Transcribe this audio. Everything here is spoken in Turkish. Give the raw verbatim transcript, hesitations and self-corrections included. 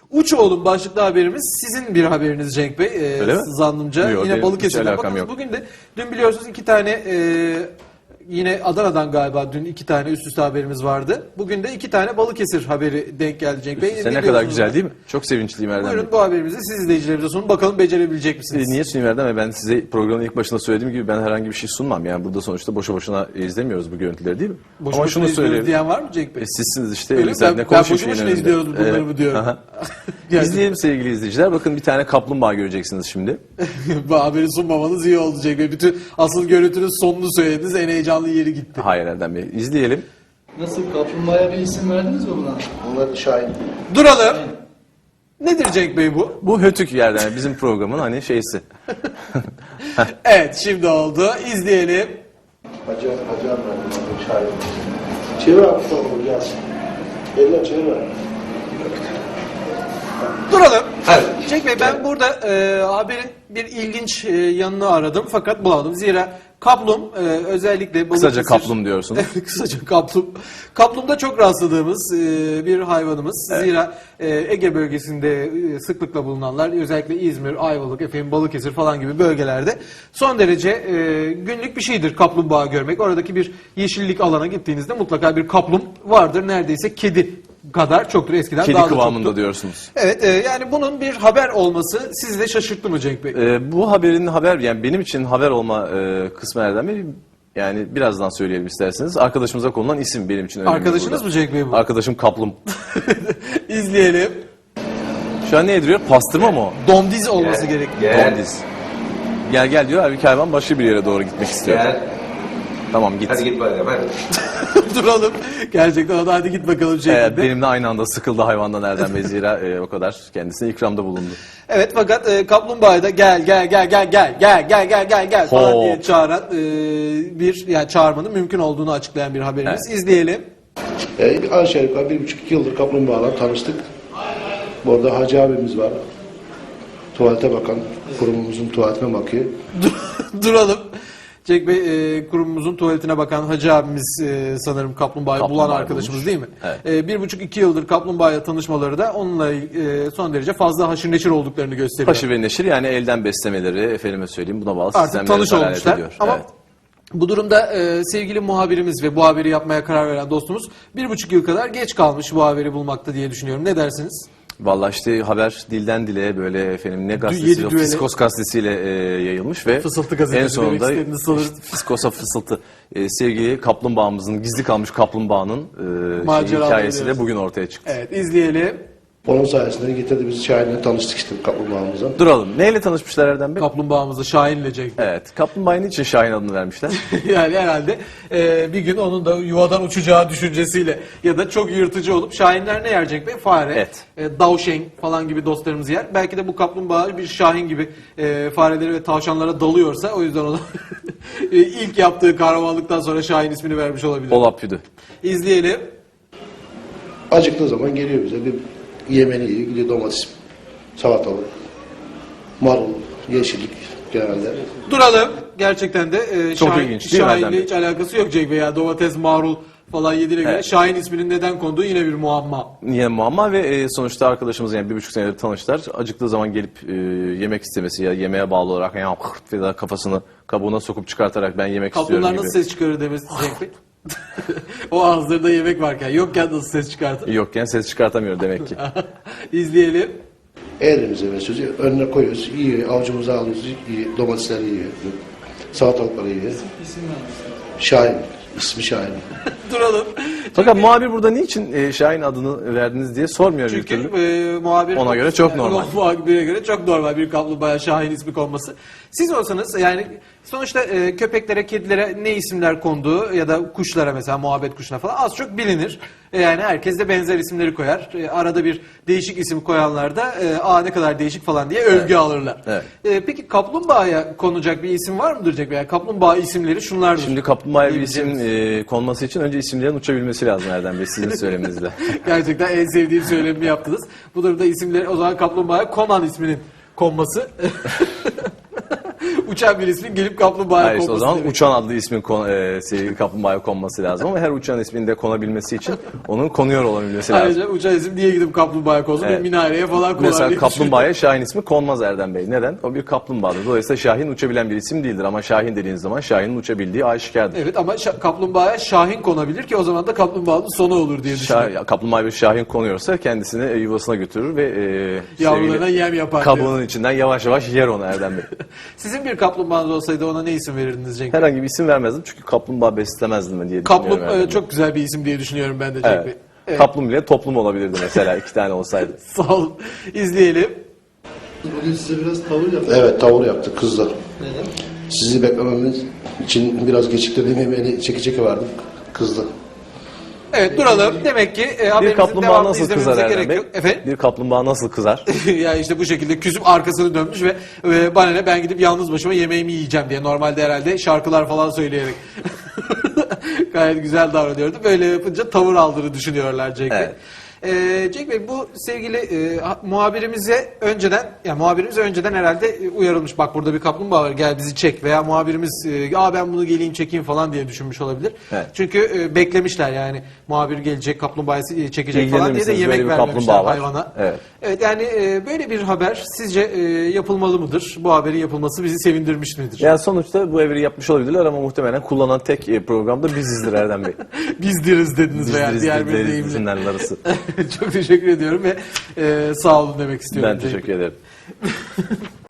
Uç oğlum başlıklı haberimiz sizin bir haberiniz Cenk Bey. Ee, Öyle mi? zannımca Yok, yine benim hiç Balıkesir'den. alakam Bakın yok. bugün de dün biliyorsunuz iki tane e, yine Adana'dan galiba dün iki tane üst üste haberimiz vardı. Bugün de iki tane Balıkesir haberi denk geldi Cenk Bey. Sen ne kadar biliyorsunuz güzel bunu. değil mi? Çok sevinçliyim Erdem Bey. Buyurun bu haberimizi siz izleyicilerimize sunun. Bakalım becerebilecek E, misiniz? Niye sunayım Erdem Bey? Ben size programın ilk başında söylediğim gibi ben herhangi bir şey sunmam. Yani burada sonuçta boşu boşuna izlemiyoruz bu görüntüleri değil mi? Boşu Ama boşuna şunu izliyoruz söyleyeyim. diyen var mı Cenk Bey? E, sizsiniz işte. Öyle mi? elinizden Ben- ne ben konuşuyor boşu şeyin boşuna önünde. izliyoruz bunları Evet. mı diyorum. Aha. Yani- İzleyelim sevgili izleyiciler. Bakın bir tane kaplumbağa göreceksiniz şimdi. Bu haberi sunmamanız iyi oldu Cenk Bey. Bütün asıl görüntünün sonunu söylediniz. En heyecanlı yeri gitti. Hayır Erdem Bey. İzleyelim. Nasıl, kaplumbağaya bir isim verdiniz mi buna? Onlar Şahin. Duralım. Nedir Cenk Bey bu? Bu Hötük yerden bizim programın hani şeysi. Evet şimdi oldu. İzleyelim. Hacı, Hacı Ahmet, Şahin. Çevir abi sonra gelsin. Eller çevir abi. Duralım. Cenk Bey ben burada e, haberin bir ilginç e, yanını aradım fakat bulamadım. Zira kaplum e, özellikle Kısaca Balıkesir- kaplum diyorsunuz. Evet, kısaca kaplum. Kaplumda çok rastladığımız e, bir hayvanımız. Zira e, Ege bölgesinde e, sıklıkla bulunanlar özellikle İzmir, Ayvalık, efendim Balıkesir falan gibi bölgelerde son derece e, günlük bir şeydir kaplumbağa görmek. Oradaki bir yeşillik alana gittiğinizde mutlaka bir kaplum vardır. Neredeyse kedi kadar çoktur eskiden. Kedi daha da kıvamında çoktu. diyorsunuz. Evet e, yani bunun bir haber olması sizi de şaşırttı mı Cenk Bey? Ee, bu haberin haber yani benim için haber olma e, kısmı Erdem Bey yani birazdan söyleyelim isterseniz. Arkadaşımıza konulan isim benim için önemli. Arkadaşınız burada. mı Cenk Bey bu? Arkadaşım Kaplum. İzleyelim. Şu an ne ediliyor? Pastırma mı o? Domdiz olması gerek. Domdiz. Gel gel diyor. Halbuki hayvan başka bir yere doğru gitmek istiyor. Gel. Tamam git. Hadi git bakalım hadi. Duralım. Gerçekten o da hadi git bakalım Ee, şeklinde. benimle aynı anda sıkıldı hayvandan Erdem Bey zira e, o kadar kendisine ikramda bulundu. Evet fakat e, kaplumbağayı da gel gel gel gel gel gel gel gel gel gel falan Hop. diye çağıran e, bir yani çağırmanın mümkün olduğunu açıklayan bir haberimiz. İzleyelim. E, aşağı yukarı bir buçuk iki yıldır kaplumbağalar tanıştık. Bu arada Hacı abimiz var. Tuvalete bakan, kurumumuzun tuvaletine bakıyor. Duralım. Cenk Bey e, kurumumuzun tuvaletine bakan Hacı abimiz e, sanırım kaplumbağayı bulan Kaplumbağayı arkadaşımız bulmuş. değil mi? Evet. E, bir buçuk iki yıldır kaplumbağayla tanışmaları da onunla e, son derece fazla haşır neşir olduklarını gösteriyor. Haşır ve neşir yani elden beslemeleri efendime söyleyeyim buna bağlı Artık sistemleri tanış dalalet olmuşlar. ediyor. Ama Evet. bu durumda e, sevgili muhabirimiz ve bu haberi yapmaya karar veren dostumuz bir buçuk yıl kadar geç kalmış bu haberi bulmakta diye düşünüyorum. Ne dersiniz? Vallahi işte haber dilden dile böyle efendim ne yedi gazetesi yok düele- Fiskos gazetesiyle e, yayılmış ve Fısıltı gazetesi en sonunda demek istediniz sanırım. işte Fiskos'a fısıltı e, sevgili kaplumbağamızın gizli kalmış kaplumbağanın e, şey, Maceraları hikayesi de diyoruz. bugün ortaya çıktı. Evet izleyelim. Onun sayesinde getirdi bizi Şahin'le tanıştık işte kaplumbağamızla. Duralım. Neyle tanışmışlar Erdem Bey? Kaplumbağamızı Şahin'le Cenk Bey. Evet. Kaplumbağaya niçin Şahin adını vermişler? Yani herhalde e, bir gün onun da yuvadan uçacağı düşüncesiyle ya da çok yırtıcı olup Şahinler ne yer Cenk Bey? Fare, Et. e, davşen falan gibi dostlarımız yer. Belki de bu kaplumbağa bir Şahin gibi e, fareleri ve tavşanlara dalıyorsa o yüzden ona e, ilk yaptığı kahramanlıktan sonra Şahin ismini vermiş olabilir. Olap Püdü. İzleyelim. Acıktığı zaman geliyor bize bir yemeni yiyor. Gidiyor domates, salatalık, marul, yeşillik genelde. Duralım. Gerçekten de e, Çok Şahin, ilginç değil mi Erdem Şahin'le Bey? hiç alakası yok Cenk Bey. Ya domates, marul falan yediğine göre Evet. Şahin isminin neden konduğu yine bir muamma. Niye muamma ve e, sonuçta arkadaşımız yani bir buçuk senedir tanıştılar. Acıktığı zaman gelip e, yemek istemesi ya yemeğe bağlı olarak ya ve da kafasını kabuğuna sokup çıkartarak ben yemek istiyorum Kaplanlar gibi. nasıl ses çıkarır demesi Cenk Bey. O ağızlarında yemek varken yokken nasıl ses çıkartır? Yokken ses çıkartamıyor demek ki. İzleyelim. Elimize ve sözü önüne koyuyoruz. Yiyor, avucumuza alıyoruz. Yiyor, domatesleri yiyor. Salatalıkları yiyor. İsim vermişler. Şahin. İsmi Şahin. Duralım. Fakat muhabir burada niçin e, Şahin adını verdiniz diye sormuyor bir Çünkü türlü. e, muhabir Ona göre çok normal. Muhabire göre çok normal bir kaplumbağa Şahin ismi konması. Siz olsanız yani sonuçta e, köpeklere, kedilere ne isimler konduğu ya da kuşlara mesela muhabbet kuşuna falan az çok bilinir. E, yani herkes de benzer isimleri koyar. E, arada bir değişik isim koyanlar da e, aa ne kadar değişik falan diye övgü alırlar. Evet. E, peki kaplumbağaya konacak bir isim var mıdır Cenk Bey? Yani kaplumbağa isimleri şunlardır. Şimdi kaplumbağaya bir isim Diyebileceğimiz. e, konması için önce isimlerin uçabilmesi lazım Erdem Bey sizin söyleminizle. Gerçekten en sevdiğim söylemimi yaptınız. Bu durumda isimleri o zaman kaplumbağaya Conan isminin konması uçan bir ismin gelip kaplumbağaya Hayır, işte o konması zaman demek. uçan adlı ismin kon, e, sevgili kaplumbağaya konması lazım ama her uçan ismin de konabilmesi için onun konuyor olabilmesi lazım. Ayrıca uçan isim niye gidip kaplumbağaya konsun? Evet. Bir minareye falan konar Mesela diye kaplumbağaya Şahin ismi konmaz Erdem Bey. Neden? O bir kaplumbağadır. Dolayısıyla Şahin uçabilen bir isim değildir ama Şahin dediğiniz zaman Şahin'in uçabildiği aşikardır. Evet ama şa- kaplumbağaya Şahin konabilir ki o zaman da kaplumbağanın sonu olur diye düşünüyorum. Şah, kaplumbağa bir Şahin konuyorsa kendisini e, yuvasına götürür ve e, Yavrularına sevgili yem yapar. kabuğunun içinden yavaş yavaş yer onu Erdem Bey. Sizin bir kaplumbağanız olsaydı ona ne isim verirdiniz Cenk Bey? Herhangi bir isim vermezdim çünkü kaplumbağa beslemezdim ben diye Kaplum düşünüyorum. Erdem e, Bey. çok güzel bir isim diye düşünüyorum ben de Cenk Bey. Evet. Evet. Kaplum bile toplum olabilirdi mesela iki tane olsaydı. Sağ olun. İzleyelim. Bugün size biraz tavır yaptım. Evet, tavır yaptık kızlar. Neden? Sizi beklememiz için biraz geciktirdiğim yemeğini çeki çeki verdim. Kızdı. Evet duralım. Demek ki e, Bir haberimizin kaplumbağa devamını nasıl izlememize kızar gerek Erdem Bey? yok. Efendim? Bir kaplumbağa nasıl kızar? Ya işte bu şekilde küsüp arkasını dönmüş ve, ve bana ne ben gidip yalnız başıma yemeğimi yiyeceğim diye normalde herhalde şarkılar falan söyleyerek gayet güzel davranıyordu. Böyle yapınca tavır aldığını düşünüyorlar Cenk Bey. Evet. Ee, Cenk Bey bu sevgili e, ha- muhabirimize önceden ya muhabirimiz önceden herhalde e, uyarılmış. Bak burada bir kaplumbağa var gel bizi çek veya muhabirimiz e, Aa, ben bunu geleyim çekeyim falan diye düşünmüş olabilir. Evet. Çünkü e, beklemişler yani muhabir gelecek kaplumbağayı e, çekecek İlgilenir falan diye de misiniz? yemek Böyle bir vermemişler kaplumbağa var. hayvana. Evet. Evet yani e, böyle bir haber sizce e, yapılmalı mıdır? Bu haberin yapılması bizi sevindirmiş midir? Yani sonuçta bu evri yapmış olabilirler ama muhtemelen kullanan tek e, programda bizizdir Erdem Bey. Bizdiriz dediniz veya Bizdiriz diğer bir deriz deyimle. isimlerin arası. Çok teşekkür ediyorum ve e, sağ olun demek istiyorum. Ben Cenk Bey. teşekkür ederim.